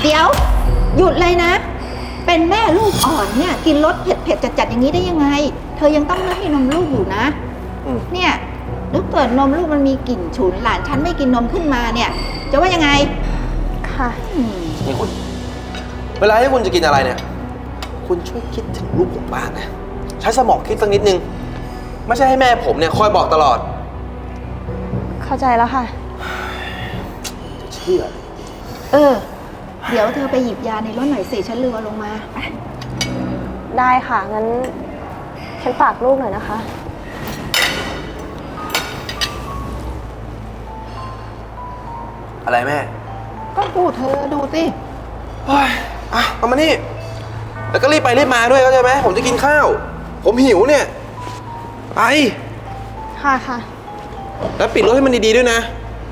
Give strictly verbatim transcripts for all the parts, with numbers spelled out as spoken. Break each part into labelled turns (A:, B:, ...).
A: เดี๋ยวหยุดเลยนะเป็นแม่ลูกอ่อนเนี่ยกินรสเผ็ดๆจัดๆอย่างนี้ได้ยังไงเธอยังต้องให้นมลูกอยู่นะเนี่ยถ้าเกิดนมลูกมันมีกลิ่นฉุนหลานฉันไม่กินนมขึ้นมาเนี่ยจะว่ายังไง
B: ค่ะ
C: นี่คุณเวลาที่คุณจะกินอะไรเนี่ยคุณช่วยคิดถึงลูกผมบ้างนะใช้สมองคิดสักนิดนึงไม่ใช่ให้แม่ผมเนี่ยคอยบอกตลอด
B: เข้าใจแล้วค่ะ
C: จะเชื่อ
A: เออเดี๋ยวเธอไปหยิบยาในรถหน่อยสิฉันลืมเอาลงมาไป
B: ได้ค่ะงั้นฉันฝากลูกหน่อยนะคะ
C: อะไรแม่
A: ก็พูดเธอดูสิ
C: เฮ้ยอ่ะเอามานี่แล้วก็รีบไปรีบมาด้วยเข้าใจไหมผมจะกินข้าวผมหิวเนี่ยไป
B: ค่ะค่ะ
C: แล้วปิดรถให้มันดีๆด้วยนะ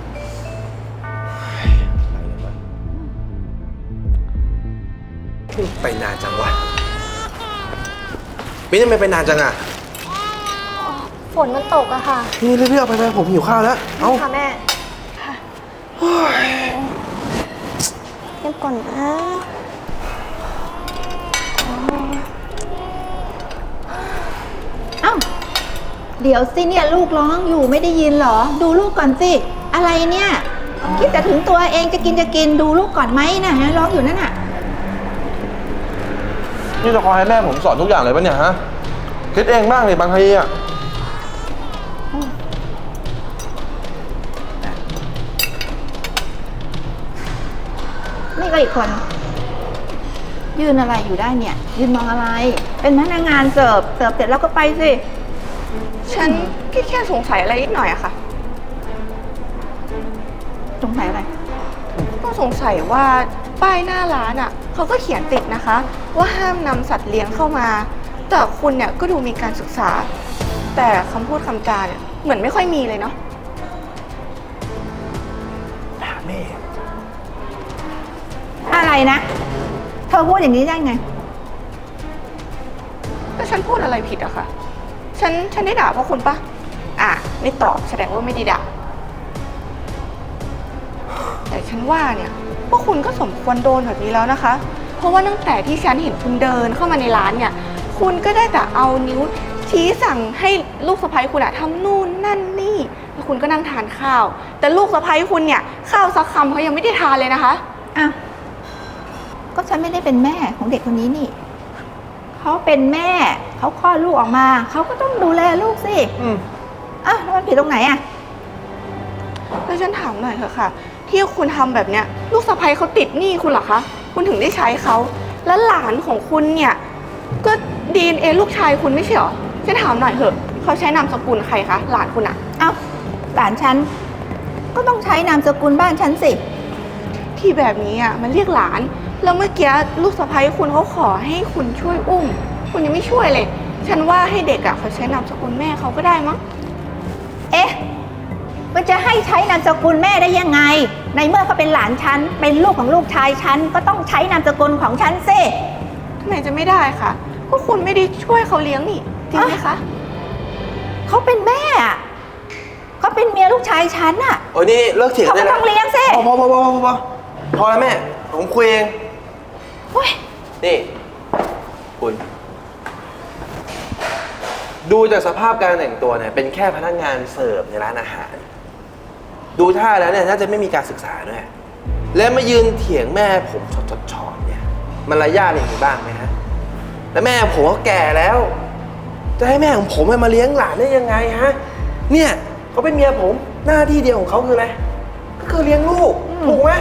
C: ไปนานจังวะมิ้นทำไมไปนานจังอะ
B: ฝนมันตกอะค่ะ
C: นี่เรียบๆไปไปผมหิวข้าวแล้วเอา
B: ค่ะแม่ค่ะเก็บก่อนนะ
A: เอ้าเดี๋ยวสิเนี่ยลูกร้องอยู่ไม่ได้ยินเหรอดูลูกก่อนสิอะไรเนี่ยคิดแต่ถึงตัวเองจะกินจะกินดูลูกก่อนไหมนะฮะร้องอยู่นั่นน่ะ
C: นี่จะคอยให้แม่ผมสอนทุกอย่างเลยปะเนี่ยฮะคิดเองบ้างเลยบางทีอ่ะ
A: นี่ก็อีกคนยืนอะไรอยู่ได้เนี่ยยืนมองอะไรเป็นพนักงานเสิร์ฟเสิร์ฟเสร็จแล้วก็ไปสิ
B: ฉันแค่แค่สงสัยอะไรนิดหน่อยอะค่ะ
A: สงสัยอะไร
B: ก็สงสัยว่าป้ายหน้าร้านอะเขาก็เขียนติดนะคะว่าห้ามนำสัตว์เลี้ยงเข้ามาแต่คุณเนี่ยก็ดูมีการศึกษาแต่คำพูดคำจาเนี่ยเหมือนไม่ค่อยมีเลยเนาะ
C: ถามแม่
A: อะไรนะเธอพูดอย่างนี้ได้ไง
B: ก็ฉันพูดอะไรผิดอะค่ะฉันฉันได้ด่าเพราะคุณปะอ่ะไม่ตอบแสดงว่าไม่ได้ด่าแต่ฉันว่าเนี่ยพวกคุณก็สมควรโดนแบบนี้แล้วนะคะเพราะว่าตั้งแต่ที่ฉันเห็นคุณเดินเข้ามาในร้านเนี่ยคุณก็ได้แต่เอานิ้วชี้สั่งให้ลูกสะใภ้คุณอะทำนู่นนั่นนี่แล้วคุณก็นั่งทานข้าวแต่ลูกสะใภ้คุณเนี่ยข้าวสักคำเขายังไม่ได้ทานเลยนะคะ
A: อ้าวก็ฉันไม่ได้เป็นแม่ของเด็กคนนี้นี่เขาเป็นแม่เขาคลอดลูกออกมาเขาก็ต้องดูแลลูกสิอืมอ่ะแล้วมันผิดตรงไหนอ่ะ
B: แล้วฉันถามหน่อยเถอะค่ะที่คุณทำแบบเนี้ยลูกสะใภ้เขาติดหนี้คุณเหรอคะคุณถึงได้ใช้เขาแล้วหลานของคุณเนี่ยก็ดีเอ็นเอลูกชายคุณไม่ใช่หรอฉันถามหน่อยเถอะเขาใช้นามสกุลใครคะหลานคุณอะ
A: เอ้าหลานฉันก็ต้องใช้นามสกุลบ้านฉันสิ
B: ที่แบบนี้อ่ะมันเรียกหลานแล้วเมื่อกี้ลูกสะใภ้คุณเขาขอให้คุณช่วยอุ้มคุณยังไม่ช่วยเลยฉันว่าให้เด็กอ่ะเขาใช้นามสกุลแม่เขาก็ได้มั้ง
A: เอ๊ะมันจะให้ใช้นามสกุลแม่ได้ยังไงในเมื่อเขาเป็นหลานฉันเป็นลูกของลูกชายฉันก็ต้องใช้นามสกุลของฉันสิ
B: ทำไมจะไม่ได้คะก็คุณไม่ได้ช่วยเขาเลี้ยงนี่จริงไหมคะ
A: เขาเป็นแม่เขาเป็นเมียลูกชายฉันอ่ะ
C: โอ้ยนี่เลิกเถียงได้แล้ว
A: เขาต้องเลี้ยงสิ
C: พอพอพอพอพอพอแล้วแม่ผมคุยเองนี่คุณดูจากสภาพการแต่งตัวเนี่ยเป็นแค่พนักงานเสิร์ฟในร้านอาหารดูท่าแล้วเนี่ยน่าจะไม่มีการศึกษาด้วยและมายืนเถียงแม่ผมชดๆเนี่ยมันระยะอย่างนี้บ้างไหมฮะแล้วแม่ผมก็แก่แล้วจะให้แม่ของผมมาเลี้ยงหลานได้ยังไงฮะเนี่ยเขาเป็นเมียผมหน้าที่เดียวของเขาคืออะไรก็คือเลี้ยงลูกถูกไหม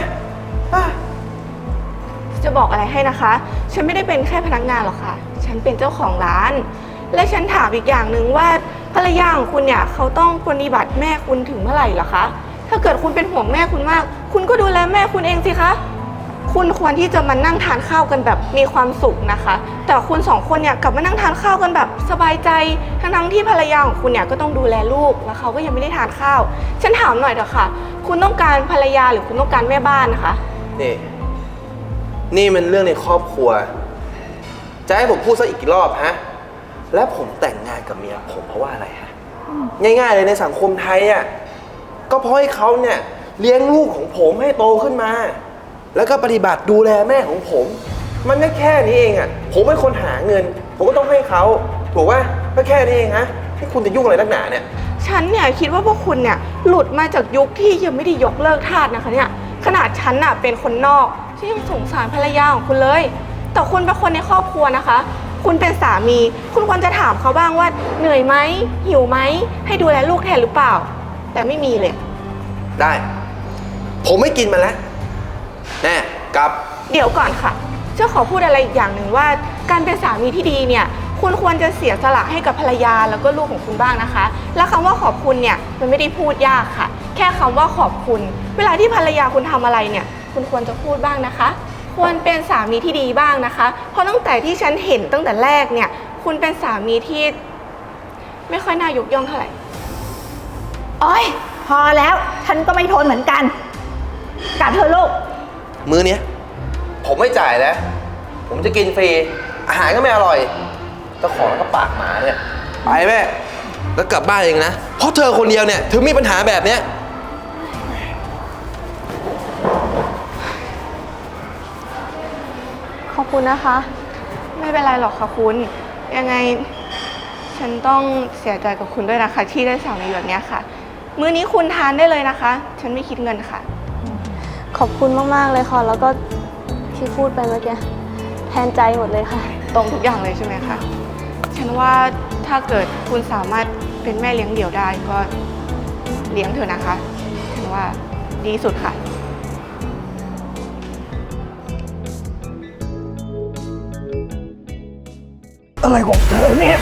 B: จะบอกอะไรให้นะคะฉันไม่ได้เป็นแค่พนักงานหรอกค่ะฉันเป็นเจ้าของร้านและฉันถามอีกอย่างหนึ่งว่าภรรยาของคุณเนี่ยเขาต้องปฏิบัติแม่คุณถึงเมื่อไหร่เหรอคะถ้าเกิดคุณเป็นห่วงแม่คุณมากคุณก็ดูแลแม่คุณเองสิคะคุณควรที่จะมานั่งทานข้าวกันแบบมีความสุขนะคะแต่คุณสองคนเนี่ยกลับมานั่งทานข้าวกันแบบสบายใจทั้งๆที่ภรรยาของคุณเนี่ยก็ต้องดูแลลูกแล้วเขาก็ยังไม่ได้ทานข้าวฉันถามหน่อยเถอะค่ะคุณต้องการภรรยาหรือคุณต้องการแม่บ้านนะคะ
C: นี่นี่มันเรื่องในครอบครัวจะให้ผมพูดซะอีกกี่รอบฮะแล้วผมแต่งงานกับเมียผมเพราะว่าอะไรฮะง่ายๆเลยในสังคมไทยอ่ะก็เพราะให้เขาเนี่ยเลี้ยงลูกของผมให้โตขึ้นมาแล้วก็ปฏิบัติดูแลแม่ของผม มันก็แค่นี้เองอ่ะผมเป็นคนหาเงิน ผมก็ต้องให้เขาถูกป่ะก็แค่นี้เองฮะที่คุณจะยุ่งอะไรนักหนาเนี่ย
B: ฉันเนี่ยคิดว่าพวกคุณเนี่ยหลุดมาจากยุคที่ยังไม่ได้ยกเลิกทาสนะคะเนี่ยขนาดฉันน่ะเป็นคนนอกที่ยังสงสารภรรยาของคุณเลยแต่คุณเป็นคนในครอบครัวนะคะคุณเป็นสามีคุณควรจะถามเขาบ้างว่าเหนื่อยไหมหิวไหมให้ดูแลลูกแทนหรือเปล่าแต่ไม่มีเลย
C: ได้ ผมไม่กินมันแล้วแน่กลับ
B: เดี๋ยวก่อนค่ะเจ้าขอพูดอะไรอีกอย่างหนึ่งว่าการเป็นสามีที่ดีเนี่ยคุณควรจะเสียสละให้กับภรรยาแล้วก็ลูกของคุณบ้างนะคะและคำว่าขอบคุณเนี่ยมันไม่ได้พูดยากค่ะแค่คำว่าขอบคุณ เวลาที่ภรรยาคุณทำอะไรเนี่ยคุณควรจะพูดบ้างนะคะควรเป็นสามีที่ดีบ้างนะคะเพราะตั้งแต่ที่ฉันเห็นตั้งแต่แรกเนี่ยคุณเป็นสามีที่ไม่ค่อยน่ายกย่องเท่าไหร่
A: โอ๊ยพอแล้วฉันก็ไม่ทนเหมือนกันกลับเถอะลูก
C: มื้อเนี้ยผมไม่จ่ายแล้ว ผมจะกินฟรี อาหารก็ไม่อร่อยเจ้าของแล้วก็ปากหมาเนี่ย ไปแม่ แล้วกลับบ้านเองนะ เพราะเธอคนเดียวเนี่ยถึงมีปัญหาแบบเนี้ย
B: ขอบคุณนะคะ ไม่เป็นไรหรอกค่ะคุณยังไงฉันต้องเสียใจกับคุณด้วยนะคะที่ได้สามีแบบนี้ค่ะ มื้อนี้คุณทานได้เลยนะคะ ฉันไม่คิดเงินค่ะ
D: ขอบคุณมากๆเลยค่ะแล้วก็ที่พูดไปเมื่อกี้แทนใจหมดเลยค่ะ
B: ตรงทุกอย่างเลยใช่ไหมคะฉันว่าถ้าเกิดคุณสามารถเป็นแม่เลี้ยงเดี่ยวได้ก็เลี้ยงเถอะนะคะฉันว่าดีสุดค่ะ
E: อะไรของเธอเนี่ย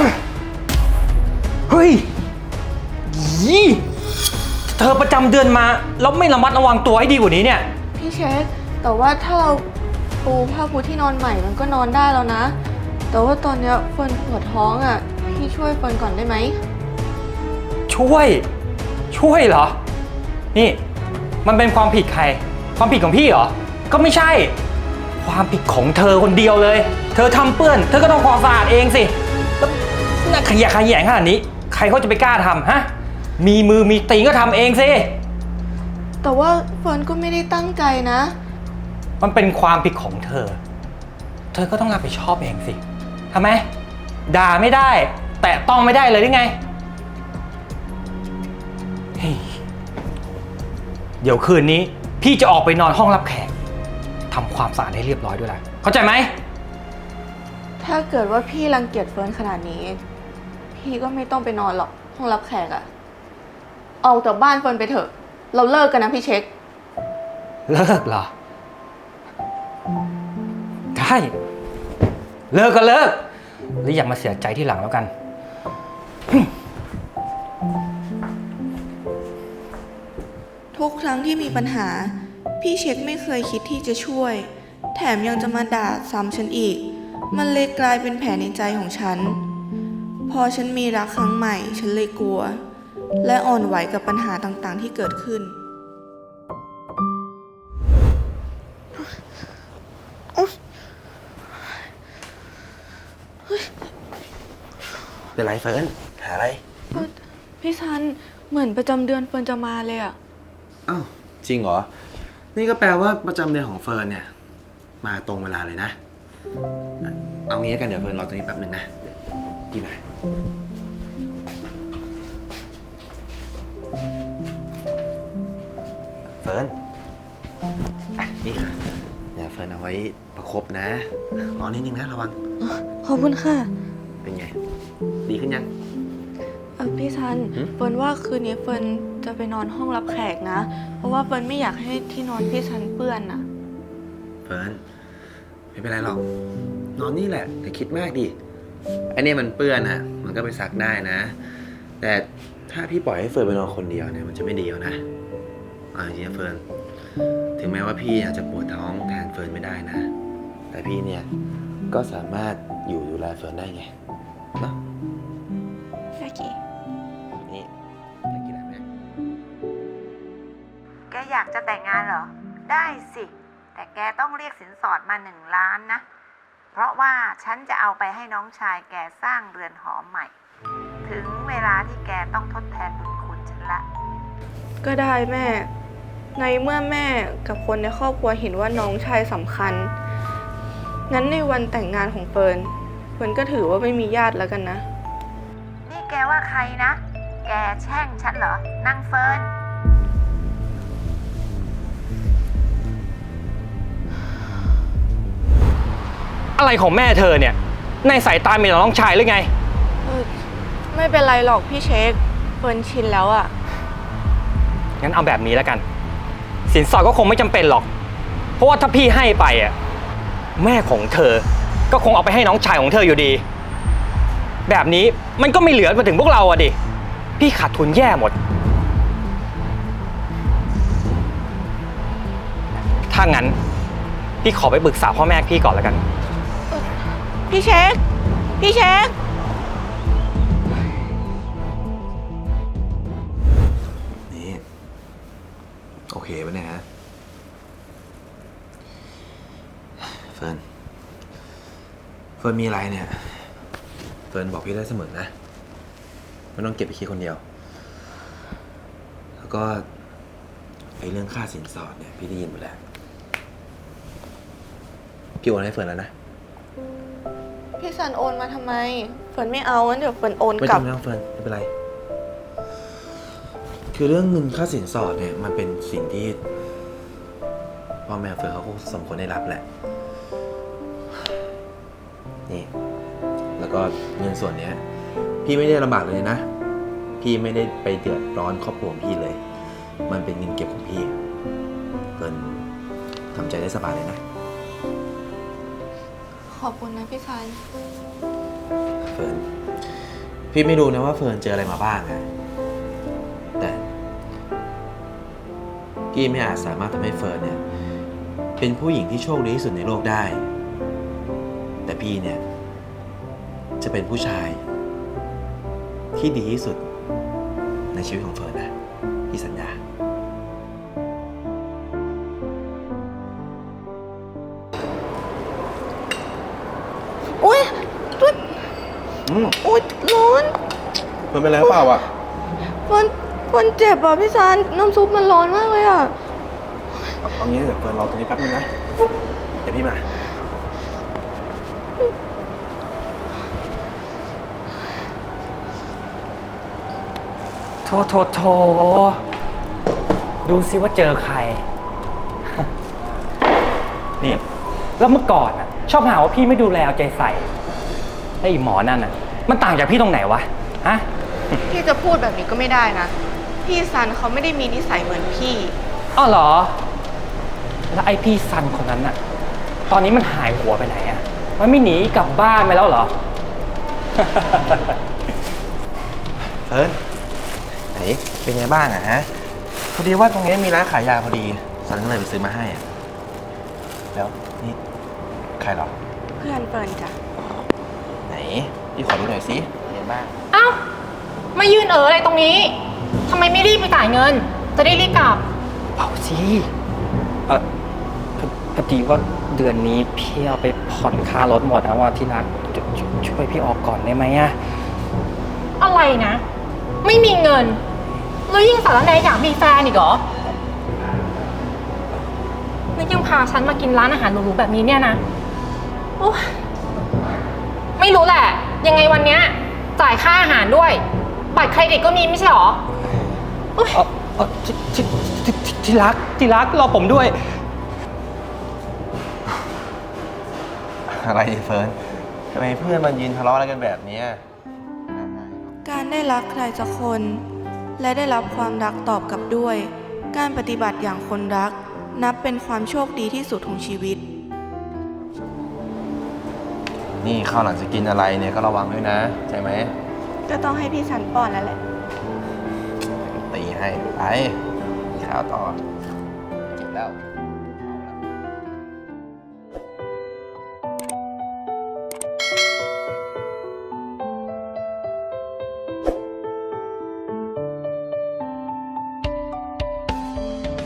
E: เฮ้ยยี่เธอประจำเดือนมาแล้วไม่ระมัดระวังตัวให้ดีกว่านี้เนี่ย
B: พี่เช็คแต่ว่าถ้าเราปูผ้าปูที่นอนใหม่มันก็นอนได้แล้วนะ แต่ว่าตอนเนี้ยเฟิร์นปวดท้องอ่ะพี่ช่วยเฟิร์นก่อนได้ไหม
E: ช่วย ช่วยเหรอ นี่ มันเป็นความผิดใคร ความผิดของพี่เหรอ ก็ไม่ใช่ ความผิดของเธอคนเดียวเลย เธอทำเปื้อน เธอก็ต้องความสะอาดเองสิแล้วน่าขยะแขยงขนาดนี้ ใครเขาจะไปกล้าทำฮะ มีมือมีตีนก็ทำเองสิ
B: แต่ว่าเฟิร์นก็ไม่ได้ตั้งใจนะ
E: มันเป็นความผิดของเธอ เธอก็ต้องรับผิดชอบเองสิทำไม ด่าไม่ได้ แตะต้องไม่ได้เลยหรือไงเฮ้ยเดี๋ยวคืนนี้พี่จะออกไปนอนห้องรับแขกทำความสะอาดให้เรียบร้อยด้วยล่ะเข้าใจไหม
B: ถ้าเกิดว่าพี่รังเกียจเฟิร์นขนาดนี้ พี่ก็ไม่ต้องไปนอนหรอกห้องรับแขกอะออกจากบ้านเฟิร์นไปเถอะ เราเลิกกันนะพี่เช็ค
E: เลิกเหรอ ได้ เลิกก็เลิกหรืออย่ามาเสียใจที่หลังแล้วกัน
B: ทุกครั้งที่มีปัญหา พี่เช็คไม่เคยคิดที่จะช่วย แถมยังจะมาด่าซ้ำฉันอีก มันเลยกลายเป็นแผลในใจของฉัน พอฉันมีรักครั้งใหม่ ฉันเลยกลัว และอ่อนไหวกับปัญหาต่างๆที่เกิดขึ้น
C: เป็นไรเฟิร์นหาอะไร
B: พี่ซันเหมือนประจำเดือนเฟิร์นจะมาเลยอะ
C: อ้าวจริงเหรอ นี่ก็แปลว่าประจำเดือนของเฟิร์นเนี่ย มาตรงเวลาเลยนะ เอางี้กันเดี๋ยวเฟิร์นรอตรงนี้แป๊บหนึ่งนะดีไหมเฟิร์นอ่ะนี่ค่ะเดี๋ยวเฟิร์นเอาไว้ประคบนะรอนิดนึงนะระวัง
D: ขอบคุณค่ะ
C: เป็นไง ดีขึ้นยัง
B: เออพี่ซัน
C: หืม
B: เฟิร์นว่าคืนนี้เฟิร์นจะไปนอนห้องรับแขกนะ เพราะว่าเฟิร์นไม่อยากให้ที่นอนพี่ซันเปื้อนอะ
C: เฟิร์นไม่เป็นไรหรอก นอนนี่แหละแต่คิดมากดิไอเนี่ยมันเปื้อนอ่ะ มันก็ไปซักได้นะ แต่ถ้าพี่ปล่อยให้เฟิร์นไปนอนคนเดียวเนี่ยมันจะไม่ดีแล้วนะเอาจริงๆนะเฟิร์นถึงแม้ว่าพี่อาจจะปวดท้องแทนเฟิร์นไม่ได้นะ แต่พี่เนี่ยก็สามารถอยู่ดูแลเฟิร์นได้ไงเนาะ
B: โอเค
C: นี่อยากกินอะไรไหม
A: แกอยากจะแต่งงานเหรอ ได้สิ แต่แกต้องเรียกสินสอดมาหนึ่งล้านนะ เพราะว่าฉันจะเอาไปให้น้องชายแกสร้างเรือนหอใหม่ ถึงเวลาที่แกต้องทดแทนบุญคุณฉันละ
B: ก็ได้แม่ในเมื่อแม่กับคนในครอบครัวเห็นว่าน้องชายสำคัญ งั้นในวันแต่งงานของเฟิร์น เฟิร์นก็ถือว่าไม่มีญาติแล้วกันนะ
A: นี่แกว่าใครนะ แกแช่งฉันเหรอ นางเฟิร์น
E: อะไรของแม่เธอเนี่ย ในสายตามีแต่น้องชายหรือไง
B: เออไม่เป็นไรหรอกพี่เช็ค เฟิร์นชินแล้วอะ
E: งั้นเอาแบบนี้แล้วกัน สินสอดก็คงไม่จำเป็นหรอก เพราะว่าถ้าพี่ให้ไปอ่ะแม่ของเธอก็คงเอาไปให้น้องชายของเธออยู่ดี แบบนี้มันก็ไม่เหลือมาถึงพวกเราอ่ะดิ พี่ขาดทุนแย่หมด ถ้างั้นพี่ขอไปปรึกษาพ่อแม่พี่ก่อนแล้วกัน
B: พี่เช็ค พี่เช็ค
C: นี่ โอเคปะเนี่ยฮะ เฟิร์น เฟิร์นมีอะไรเนี่ย เฟิร์นบอกพี่ได้เสมอนะไม่ต้องเก็บไปคิดคนเดียว แล้วก็ไอ้เรื่องค่าสินสอดเนี่ยพี่ได้ยินหมดแล้ว พี่โอนให้เฟิร์นแล้วนะ
B: พี่ซันโอนมาทำไม เฟิร์นไม่เอางั้นเดี๋ยวเฟิร์นโอน
C: ไม่
B: กลั
C: ต้อบ งไม่ต้องเฟิร์นไม่เป็นไร คือเรื่องเงินค่าสินสอดเนี่ยมันเป็นสิ่งที่พ่อแม่เฟิร์นเขาก็สมควรได้รับแหละ นี่ แล้วก็เงินส่วนเนี้ย พี่ไม่ได้ลำบากเลยนะ พี่ไม่ได้ไปเดือดร้อนครอบครัวของพี่เลย มันเป็นเงินเก็บของพี่เฟิร์นทำใจได้สบายเลยนะ
B: ขอบคุณนะพี่ซัน
C: เฟิร์น พี่ไม่รู้นะว่าเฟิร์นเจออะไรมาบ้างอะแต่ พี่ไม่อาจสามารถทำให้เฟิร์นเนี่ยเป็นผู้หญิงที่โชคดีที่สุดในโลกได้ แต่พี่เนี่ยจะเป็นผู้ชายที่ดีที่สุดในชีวิตของเฟิร์นนะพี่สัญญา
B: อุ้ยตุ๊ด
C: อืม
B: อุ้ยร้อน
C: เฟิร์นเป็นอะไรหรือเปล่าอ่ะ
B: เฟิร์นเฟิร์นเจ็บอ่ะพี่ซัน น้ำซุปมันร้อนมากเลยอ่ะ
C: เอางี้เดี๋ยวเฟิร์นรอตรงนี้แป๊บนึงนะ เดี๋ยวพี่มา
E: โทโทโทดูซิว่าเจอใคร นี่ แล้วเมื่อก่อนอ่ะ ชอบหาว่าพี่ไม่ดูแลเอาใจใส่ไอ้หมอนั่นอ่ะ มันต่างจากพี่ตรงไหนวะ ฮะ
B: พี่จะพูดแบบนี้ก็ไม่ได้นะ พี่ซันเขาไม่ได้มีนิสัยเหมือนพี่
E: อ้าวเหรอ แล้วไอ้พี่ซันคนนั้นน่ะ ตอนนี้มันหายหัวไปไหนอ่ะ มันไม่หนีกลับบ้านไปแล้วเหรอ
C: เฟิร์นไหนเป็นไงบ้างอะฮะ พอดีว่าตรงนี้มีร้านขายยาพอดีสันก็เลยไปซื้อมาให้อะแล้วนี่ใครเหรอ
B: เพื่อนเฟิร์นจ้ะ
C: ไหน พี่ขอดูหน่อยสิเป็นไงบ้าง
F: เอ้ามายืนเอ๋ออะไรตรงนี้ทำไมไม่รีบไปจ่ายเงิน จะได้รีบกลับ
E: เปล่าสิ เออพอพอดีว่าเดือนนี้พี่เอาไปผ่อนค่ารถหมดนะว่าที่รักชชช่วยพี่ออกก่อนได้ไหมอะ
F: อะไรนะ ไม่มีเงิน แล้วยิ่งสารแหนอยากมีแฟนอีกเหรอแล้วยังพาฉันมากินร้านอาหารหรูๆแบบนี้เนี่ยนะโอ๊ยไม่รู้แหละ ยังไงวันเนี้ยจ่ายค่าอาหารด้วย บัตรเครดิตก็มีไม่ใช่หรอโอ๊ย
E: เออเออที่ที่ที่ที่ที่รักที่รักรอผมด้วย
C: อะไรเฟิร์นทำไมเพื่อนมันยืนทะเลาะอะไรกันแบบเนี้ย
B: การได้รักใครสักคน และได้รับความรักตอบกลับด้วย การปฏิบัติอย่างคนรัก นับเป็นความโชคดีที่สุดของชีวิต
C: นี่ข้าวหลังจะกินอะไรเนี่ยก็ระวังด้วยนะใช่ไหม
B: ก็ต้องให้พี่ซันป้อนแล้วแหละ
C: ตีให้ไปข้าวต่อเจ็บแล้ว